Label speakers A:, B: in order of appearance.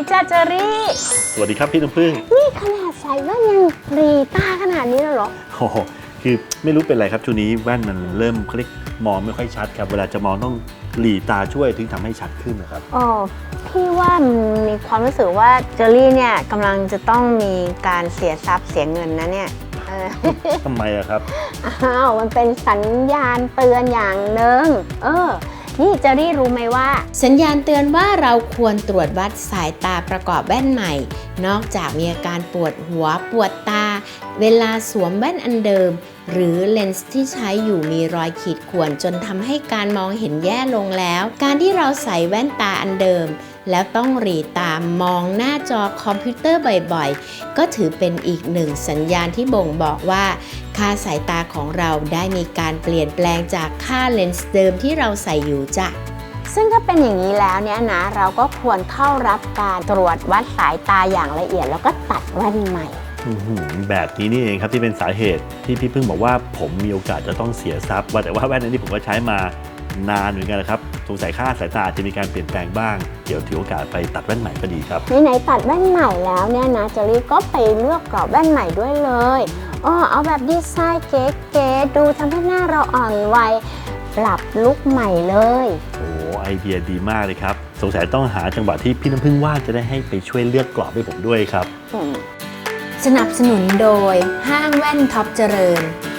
A: จ้าเจอรี่
B: สวัสดีครับพี่น้ำผึ้ง
A: นี่ขนาดใส่แว่นยังหลีตาขนาดนี้แล้วเหรอ
B: โอ้โหคือไม่รู้เป็นไรครับช่วงนี้แว่นมันเริ่มคลิกมองไม่ค่อยชัดครับเวลาจะมองต้องหลีตาช่วยถึงทำให้ชัดขึ้นนะครับ
A: อ๋อพี่ว่ามีความรู้สึกว่าเจอรี่เนี่ยกำลังจะต้องมีการเสียทรัพย์เสียเงินนะเนี่ย
B: ทำไมอะครับ
A: อ้าวมันเป็นสัญญาณเตือนอย่างหนึ่งนี่เจอรี่รู้ไหมว่าสัญญาณเตือนว่าเราควรตรวจวัดสายตาประกอบแว่นใหม่นอกจากมีอาการปวดหัวปวดตาเวลาสวมแว่นอันเดิมหรือเลนส์ที่ใช้อยู่มีรอยขีดข่วนจนทำให้การมองเห็นแย่ลงแล้วการที่เราใส่แว่นตาอันเดิมแล้วต้องหลีตามองหน้าจอคอมพิวเตอร์บ่อยๆก็ถือเป็นอีกหนึ่งสัญญาณที่บ่งบอกว่าค่าสายตาของเราได้มีการเปลี่ยนแปลงจากค่าเลนส์เดิมที่เราใส่อยู่จ้ะซึ่งถ้าเป็นอย่างนี้แล้วเนี่ยนะเราก็ควรเข้ารับการตรวจวัดสายตาอย่างละเอียดแล้วก็ตัดแว่นใหม่
B: แบบนี้นี่เองครับที่เป็นสาเหตุที่พี่พึ่งบอกว่าผมมีโอกาสจะต้องเสียทรัพย์ว่าแต่ว่าแว่นนี้ผมก็ใช้มานานเหมือนกันนะครับสงสัยค่าสายตาจะมีการเปลี่ยนแปลงบ้างเดี๋ยวถือโอกาสไปตัดแว่นใหม่ก็ดีครับ
A: ไหนตัดแว่นใหม่แล้วเนี่ยนะเจอรี่ก็ไปเลือกกรอบแว่นใหม่ด้วยเลยเอาแบบดีไซน์เก๋ๆดูทำให้หน้าเราอ่อนวัยปรับลุคใหม่เลย
B: โอ้ไอเดียดีมากเลยครับสงสัยต้องหาจังหวะที่พี่น้ำพึ่งว่างจะได้ให้ไปช่วยเลือกกรอบให้ผมด้วยครับ
A: สนับสนุนโดยห้างแว่นท็อปเจริญ